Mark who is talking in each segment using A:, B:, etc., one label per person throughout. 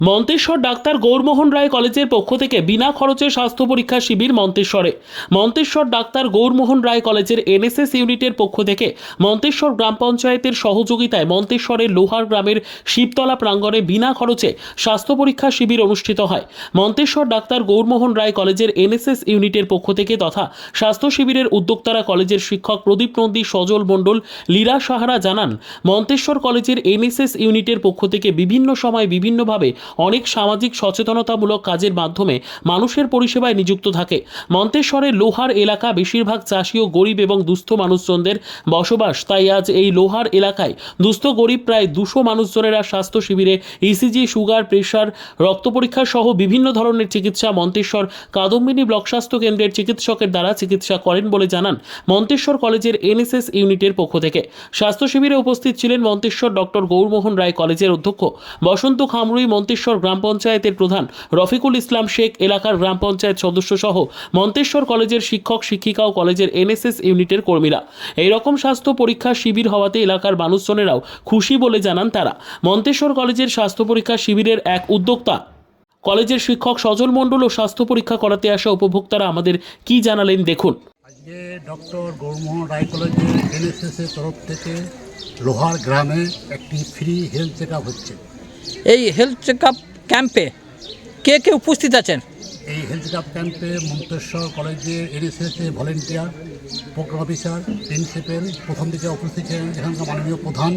A: Manteswar doctor Gourmohan Roy কলেজের পক্ষ থেকে বিনা খরচে স্বাস্থ্য পরীক্ষা শিবির মন্তেশ্বরে। মন্তেশ্বর ডাক্তার গৌরমোহন রায় কলেজের এনএসএস ইউনিটের পক্ষ থেকে মন্তেশ্বর গ্রাম পঞ্চায়েতের সহযোগিতায় মন্তেশ্বরের লোহার গ্রামের শিবতলা প্রাঙ্গণে বিনা খরচে স্বাস্থ্য পরীক্ষা শিবির অনুষ্ঠিত হয়। মন্তেশ্বর ডাক্তার গৌরমোহন রায় কলেজের এনএসএস ইউনিটের পক্ষ থেকে তথা স্বাস্থ্য শিবিরের উদ্যোক্তারা কলেজের শিক্ষক প্রদীপ নন্দী, সজল মণ্ডল, লীরা সাহারা জানান, মন্তেশ্বর কলেজের এনএসএস ইউনিটের পক্ষ থেকে বিভিন্ন সময় বিভিন্নভাবে অনেক সামাজিক সচেতনতামূলক কাজের মাধ্যমে মানুষের পরিষেবায় নিযুক্ত থাকে। মন্তেশ্বরের লোহার এলাকা বেশিরভাগ চাষি ও গরিব এবং দুস্থ মানুষজনদের বসবাস, তাই আজ এই লোহার এলাকায় দুস্থ গরিব প্রায় 200 মানুষজনেরা স্বাস্থ্য শিবিরে ইসিজি, সুগার, প্রেশার, রক্ত পরীক্ষা সহ বিভিন্ন ধরনের চিকিৎসা মন্তেশ্বর কাদম্বিনী ব্লক স্বাস্থ্য কেন্দ্রের চিকিৎসকের দ্বারা চিকিৎসা করেন বলে জানান মন্তেশ্বর কলেজের এনএসএস ইউনিটের পক্ষ থেকে। স্বাস্থ্য শিবিরে উপস্থিত ছিলেন মন্তেশ্বর ডক্টর গৌরমোহন রায় কলেজের অধ্যক্ষ বসন্ত খামরুই, মন্তেশ্বর গ্রাম পঞ্চায়েতের প্রধান রফিকুল ইসলাম শেখ, এলাকার গ্রাম পঞ্চায়েত সদস্য সহ মন্তেশ্বর কলেজের শিক্ষক শিক্ষিকা ও কলেজের এনএসএস ইউনিটের কর্মীরা। এই রকম স্বাস্থ্য পরীক্ষা শিবির হওয়াতে এলাকার মানুষজনেরাও খুশি বলে জানান তারা। মন্তেশ্বর কলেজের স্বাস্থ্য পরীক্ষা শিবিরের এক উদ্যোক্তা কলেজের শিক্ষক সজল মণ্ডল ও স্বাস্থ্য পরীক্ষা করাতে আসা উপভোক্তারা আমাদের কি জানালেন দেখুন।
B: আজকে ডক্টর গৌরমোহন রায় কলেজের এনএসএসের তরফ থেকে লোহার গ্রামে একটি ফ্রি হেলথ চেক আপ হচ্ছে।
C: এই হেলথ চেক আপ ক্যাম্পে কে কে উপস্থিত আছেন?
B: এই হেলথ চেক আপ ক্যাম্পে মন্তেশ্বর কলেজের এনএসএসের ভলেন্টিয়ার, প্রোগ্রাম অফিসার, প্রিন্সিপাল প্রথম দিকে উপস্থিত ছিলেন, এখানকার মাননীয় প্রধান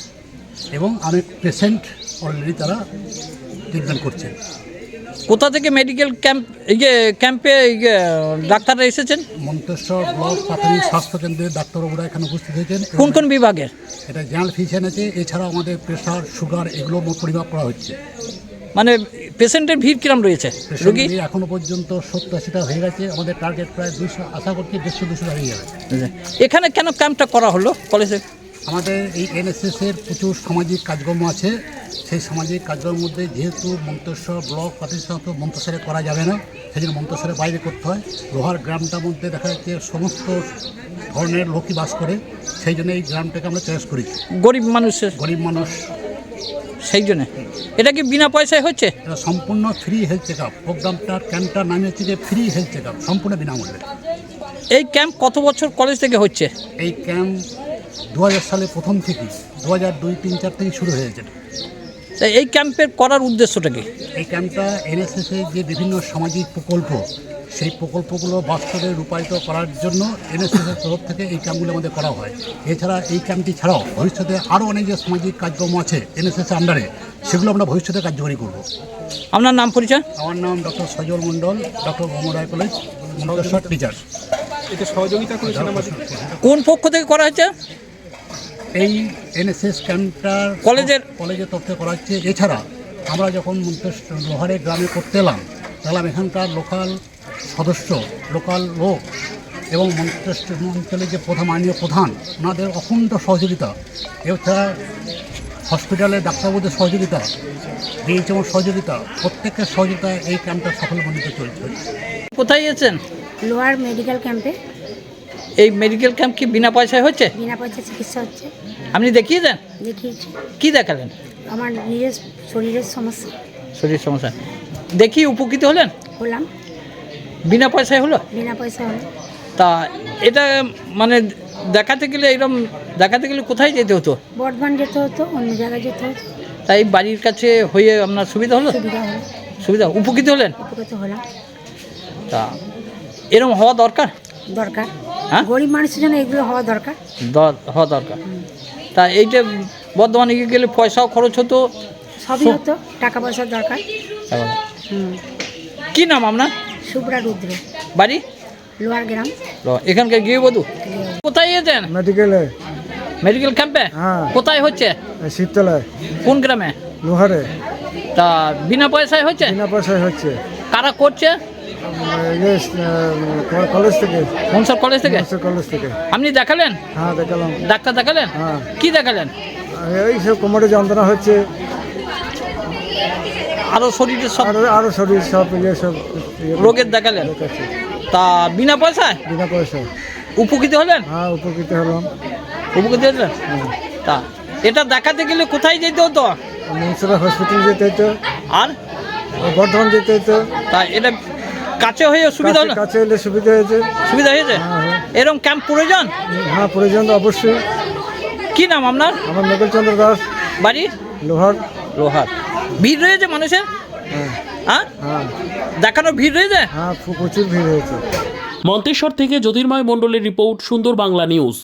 B: এবং অনেক পেশেন্ট অলরেডি তারা ট্রিটমেন্ট করছেন।
C: কোথা থেকে মেডিকেল ক্যাম্পে ডাক্তাররা এসেছেন?
B: মন্তেশ্বর ব্লক প্রাথমিক স্বাস্থ্য কেন্দ্রের ডাক্তারবাবুরা এখানে উপস্থিত হয়েছেন।
C: কোন কোন বিভাগের?
B: এটা জেনারেল ফিজিশিয়ান আছে, এছাড়াও আমাদের প্রেশার, সুগার এগুলো পরিমাপ করা হচ্ছে।
C: মানে পেশেন্টের ভিড় কিরম রয়েছে? রোগী
B: এখনো পর্যন্ত 70-80টা হয়ে গেছে। আমাদের টার্গেট প্রায় 200, আশা করছি 150-200 হয়ে যাবে।
C: এখানে কেন ক্যাম্পটা করা হলো কলেজে?
B: আমাদের এই এনএসএসের প্রচুর সামাজিক কাজকর্ম আছে। সেই সামাজিক কাজকর্মের মধ্যে যেহেতু মন্তেশ্বর ব্লক প্রাথমিক স্বাস্থ্য মন্তেশ্বরে করা যাবে না, সেই জন্য মন্তেশ্বরের বাইরে করতে হয়। লোহার গ্রামটার মধ্যে দেখা যাচ্ছে সমস্ত ধরনের লোকই বাস করে, সেই জন্য এই গ্রামটাকে আমরা চয়েস করেছি।
C: গরিব মানুষের,
B: গরিব মানুষ,
C: সেই জন্য। এটা কি বিনা পয়সায় হচ্ছে?
B: এটা সম্পূর্ণ ফ্রি হেলথ চেক আপ। প্রোগ্রামটার ক্যাম্পটার নাম হচ্ছে যে ফ্রি হেলথ চেক আপ, সম্পূর্ণ বিনামূল্যে।
C: এই ক্যাম্প কত বছর কলেজ থেকে হচ্ছে?
B: এই ক্যাম্প 2000 সালে প্রথম থেকে 2002, 3, 4 থেকে শুরু হয়েছে।
C: তাই এই ক্যাম্পের করার উদ্দেশ্যটা কি?
B: এই ক্যাম্পটা এনএসএসের যে বিভিন্ন সামাজিক প্রকল্প, সেই প্রকল্পগুলো বাস্তবে রূপায়িত করার জন্য এনএসএসের তরফ থেকে এই ক্যাম্পগুলো আমাদের করা হয়। এছাড়া এই ক্যাম্পটি ছাড়াও ভবিষ্যতে আরও অনেক যে সামাজিক কাজকর্ম আছে এনএসএসের আন্ডারে, সেগুলো আমরা ভবিষ্যতে কার্যকরী করব।
C: আপনার নাম পরিচয়?
B: আমার নাম doctor Sajal Mondal, doctor Gourmohan Roy college, Manteswar teacher.
D: এটা সহযোগিতা করেছেন আমাদের।
C: কোন পক্ষ থেকে করা হচ্ছে?
B: এই এনএসএস ক্যাম্পটার কলেজের তরফ থেকে করা হচ্ছে। এছাড়া আমরা যখন মন্তেশ্বর লোহারে গ্রামে করতে এলাম এখানকার লোকাল সদস্য, লোকাল লোক এবং মন্তেশ্বর অঞ্চলের যে মাননীয় প্রধান, ওনাদের অখণ্ড সহযোগিতা, এছাড়া হসপিটালের ডাক্তারবাবুদের সহযোগিতা, ডিএইচএমের সহযোগিতা, প্রত্যেকের সহযোগিতায় এই ক্যাম্পটা সফলমণ্ডিত চলছে।
C: কোথায় এসেছেন?
E: লোহার মেডিকেল ক্যাম্পে।
C: এই মেডিকেল ক্যাম্প কি বিনা পয়সায় হচ্ছে?
E: বিনা পয়সায় চিকিৎসা হচ্ছে।
C: আপনি দেখিয়ে দেন?
E: দেখিয়েছি।
C: কি দেখালেন?
E: আমার নিজের শরীরের সমস্যা।
C: শরীর সমস্যা দেখি উপকৃত হলেন?
E: হলাম।
C: বিনা পয়সায় হলো?
E: বিনা পয়সা হলো।
C: তা এটা মানে দেখাতে গেলে কোথায় যেতে হতো?
E: বর্ধমান যেতে হতো, অন্য জায়গায় যেতে হতো।
C: তাই বাড়ির কাছে হয়ে আপনার সুবিধা হলো? সুবিধা উপকৃত হলেন?
E: উপকৃত হলাম।
C: তা এরকম হওয়া দরকার। হ্যাঁ,
E: গরিব মানুষের জন্য এগুলো হওয়া দরকার।
C: তা এইটা বর্ধমানে গেলে পয়সাও খরচ হতো,
E: সবই হতো, টাকা পয়সার দরকার।
C: কি নাম আপনার?
E: শুভ্রা রুদ্র।
C: বাড়ি?
E: লোহার গ্রাম।
C: এখানকার গৃহবধূ। কোথায় গিয়েছেন? মেডিকেল ক্যাম্পে। কোথায় হচ্ছে?
F: শিবতলায়।
C: কোন গ্রামে?
F: লোহারে।
C: তা বিনা পয়সায় হচ্ছে?
F: বিনা পয়সায় হচ্ছে।
C: কারা করছে?
F: কলেজ থেকে।
C: মনসর কলেজ থেকে?
F: কলেজ থেকে।
C: আপনি দেখালেন?
F: হ্যাঁ, দেখালাম।
C: ডাক্তার দেখালেন?
F: হ্যাঁ।
C: কি দেখালেন?
F: এই সব কোমরে যন্ত্রণা হচ্ছে,
C: আরো শরীরের সব
F: শরীর সব সব
C: রোগের দেখালেন। তা বিনা পয়সায়?
F: বিনা পয়সায়।
C: উপকৃত হলেন?
F: হ্যাঁ, উপকৃত হলাম।
C: উপকৃত হলেন? তা এটা দেখাতে গেলে কোথায় যেতে হতো?
F: মনসুরা হসপিটাল যেতে হতো।
C: আর
F: বর্ধমান যেতে হতো,
C: তা এটা কাছে হয়ে সুবিধা হলো,
F: কাছে এলে সুবিধা হয়েছে।
C: সুবিধা হয়েছে।
F: হ্যাঁ।
C: এরকম ক্যাম্প প্রয়োজন।
F: হ্যাঁ, প্রয়োজন তো অবশ্যই।
C: কি নাম আপনার?
F: আমার নকুলচন্দ্র দাস,
C: বাড়ি
F: লোহার।
C: লোহার। ভিড় রয়েছে মানুষের?
F: হ্যাঁ
C: হ্যাঁ,
F: হ্যাঁ
C: দেখানোর ভিড় রয়েছে।
F: হ্যাঁ, প্রচুর ভিড় হয়েছে।
A: মন্তেশ্বর থেকে জ্যোতির্ময় মণ্ডলের রিপোর্ট, সুন্দর বাংলা নিউজ।